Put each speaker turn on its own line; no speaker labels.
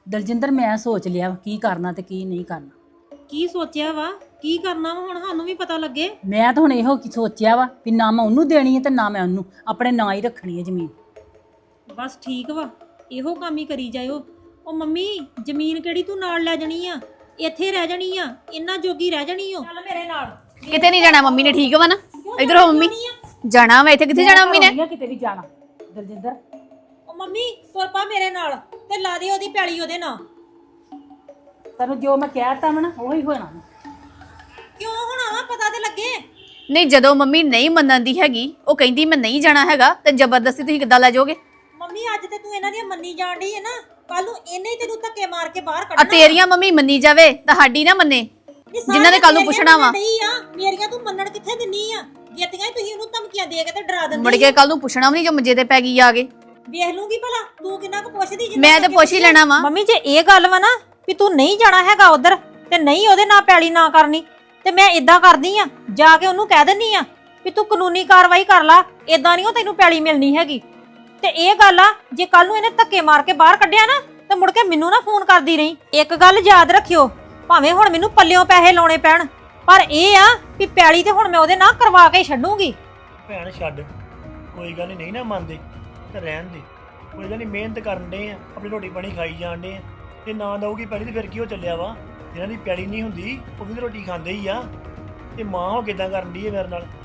ਦਲਜਿੰਦਰ ਮੈਂ ਸੋਚ ਲਿਆ ਕੀ ਕਰਨਾ ਤੇ ਕੀ ਨਹੀਂ ਕਰਨਾ।
ਕੀ ਸੋਚਿਆ ਵਾ? ਕੀ ਕਰਨਾ ਵਾ ਹੁਣ ਸਾਨੂੰ ਵੀ ਪਤਾ ਲੱਗੇ।
ਮੈਂ ਤਾਂ ਹੁਣ ਇਹੋ ਕੀ ਸੋਚਿਆ ਵਾ ਵੀ ਨਾ ਮੈਂ ਉਹਨੂੰ ਦੇਣੀ ਹੈ ਤੇ ਨਾ ਮੈਂ ਉਹਨੂੰ, ਆਪਣੇ ਨਾਂ ਹੀ ਰੱਖਣੀ ਹੈ ਜ਼ਮੀਨ।
ਬਸ ਠੀਕ ਵਾ, ਇਹੋ ਕੰਮ ਹੀ ਕਰੀ ਜਾਇਓ। ਉਹ ਮੰਮੀ ਜ਼ਮੀਨ ਕਿਹੜੀ ਤੂੰ ਨਾਲ ਲੈ ਜਾਣੀ ਆ, ਇੱਥੇ ਰਹਿ ਜਾਣੀ ਆ, ਇੰਨਾ ਜੋਗੀ ਰਹਿ ਜਾਣੀ ਓ। ਚੱਲ ਮੇਰੇ ਨਾਲ।
ਕਿਤੇ ਨਹੀਂ ਜਾਣਾ ਮੰਮੀ ਨੇ, ਠੀਕ ਵਾ ਨਾ? ਇਧਰ ਹੋ ਮੰਮੀ। ਜਾਣਾ ਵਾ ਇੱਥੇ, ਕਿੱਥੇ ਜਾਣਾ ਮੰਮੀ ਨੇ?
ਕਿਤੇ ਵੀ ਜਾਣਾ ਦਲਜਿੰਦਰ।
ਉਹ ਮੰਮੀ ਤੁਰ ਪਾ ਮੇਰੇ ਨਾਲ ਤੇ ਲਾ ਦੇ ਉਹਦੀ ਪੈਲੀ ਉਹਦੇ ਨਾਲ।
ਤੈਨੂੰ ਜੋ ਮੈਂ ਕਹਿਤਾ ਵਾ ਨਾ ਉਹੀ ਹੋਣਾ।
ਕਿਉਂ ਹੋਣਾ ਵਾ? ਪਤਾ ਤੇ ਲੱਗੇ।
ਨਹੀਂ, ਜਦੋਂ ਮੰਮੀ ਨਹੀਂ ਮੰਨਣ ਦੀ ਹੈਗੀ, ਉਹ ਕਹਿੰਦੀ ਮੈਂ ਨਹੀਂ ਜਾਣਾ ਹੈਗਾ, ਤੇ ਜ਼ਬਰਦਸਤੀ ਤੁਸੀਂ ਕਿੱਦਾਂ ਲੈ ਜਾਓਗੇ?
ਮੰਮੀ ਅੱਜ ਤੇ ਤੂੰ ਇਹਨਾਂ ਦੀ ਮੰਨੀ ਜਾਣ ਡਈ ਹੈ ਨਾ, ਕੱਲ ਨੂੰ ਇਹਨੇ ਹੀ ਤੈਨੂੰ ਧੱਕੇ ਮਾਰ ਕੇ ਬਾਹਰ
ਆ
ਕੱਢਣਾ।
ਤੇਰੀਆਂ ਮੰਮੀ ਮੰਨੀ ਜਾਵੇ, ਤੁਹਾਡੀ ਨਾ ਮੰਨੇ, ਜਿਨ੍ਹਾਂ ਨੇ ਕੱਲ ਨੂੰ ਪੁੱਛਣਾ ਵਾ।
ਮੇਰੀਆਂ ਤੂੰ ਮੰਨਣ ਕਿੱਥੇ ਦਿੰਨੀ ਆ? ਜਿੱਤੀਆਂ ਤੁਸੀਂ ਉਹਨੂੰ ਧਮਕੀਆਂ ਦੇ ਕੇ ਤੇ ਡਰਾ ਦਿੰਦੀ।
ਮੁੜ ਕੇ ਕੱਲ ਨੂੰ ਪੁੱਛਣਾ ਵੀ ਨਹੀਂ ਜੋ ਮੰਜੇ ਤੇ ਪੈ ਗਈ ਆ ਕੇ।
ਵੇਖ ਲੂੰਗੀ ਭਲਾ ਤੂੰ ਕਿੰਨਾ ਕੁ ਪੁੱਛਦੀ।
ਮੈਂ ਤੇ ਪੁੱਛ ਹੀ ਲੈਣਾ ਵਾ।
ਮੰਮੀ ਜੇ ਇਹ ਗੱਲ ਵਾ ਨਾ ਵੀ ਤੂੰ ਨਹੀਂ ਜਾਣਾ ਹੈਗਾ ਉਧਰ ਤੇ ਨਹੀਂ ਉਹਦੇ ਨਾਲ ਪੈਲੀ ਨਾ ਕਰਨੀ, ਤੇ ਮੈਂ ਇਦਾਂ ਕਰਦੀ ਆ, ਜਾ ਕੇ ਉਹਨੂੰ ਕਹਿ ਦਿੰਨੀ ਆ ਵੀ ਤੂੰ ਕਾਨੂੰਨੀ ਕਾਰਵਾਈ ਕਰ ਲਾ, ਇਦਾਂ ਨਹੀਂ ਉਹ ਤੈਨੂੰ ਪੈਲੀ ਮਿਲਣੀ ਹੈਗੀ। ਤੇ ਇਹ ਗੱਲ ਆ, ਜੇ ਕੱਲ ਨੂੰ ਇਹਨੇ ਧੱਕੇ ਮਾਰ ਕੇ ਬਾਹਰ ਕੱਢਿਆ ਨਾ ਤੇ ਮੁੜ ਕੇ ਮੈਨੂੰ ਨਾ ਫੋਨ ਕਰਦੀ ਰਹੀ। ਇੱਕ ਗੱਲ ਯਾਦ ਰੱਖਿਓ, ਭਾਵੇਂ ਹੁਣ ਮੈਨੂੰ ਪੱਲਿਓਂ ਪੈਸੇ ਲਾਉਣੇ ਪੈਣ, ਪਰ ਇਹ ਆ ਵੀ ਪੈਲੀ ਤੇ ਹੁਣ ਮੈਂ ਉਹਦੇ ਨਾਲ ਕਰਵਾ ਕੇ ਛੱਡੂਗੀ।
ਭੈਣ ਛੱਡ, ਕੋਈ ਗੱਲ ਨਹੀਂ ਨਾ ਮੰਨਦੇ ਤੇ ਰਹਿਣ ਦੇ। ਕੋਈ ਗੱਲ ਨਹੀਂ, ਮਿਹਨਤ ਕਰਨ ਦੇ ਆ, ਆਪਣੀ ਰੋਟੀ ਪਾਣੀ ਖਾਈ ਜਾਣ ਦੇ ਆ। ਜੇ ਨਾ ਦਊਗੀ ਪੈਲੀ ਤੇ ਫਿਰ ਕੀ ਹੋ ਚੱਲਿਆ ਵਾ? ਜਿਹਨਾਂ ਦੀ ਪੈਲੀ ਨਹੀਂ ਹੁੰਦੀ ਉਹ ਵੀ ਤਾਂ ਰੋਟੀ ਖਾਂਦੇ ਹੀ ਆ। ਤੇ ਮਾਂ ਉਹ ਕਿੱਦਾਂ ਕਰਨ ਦੀ ਹੈ ਮੇਰੇ ਨਾਲ?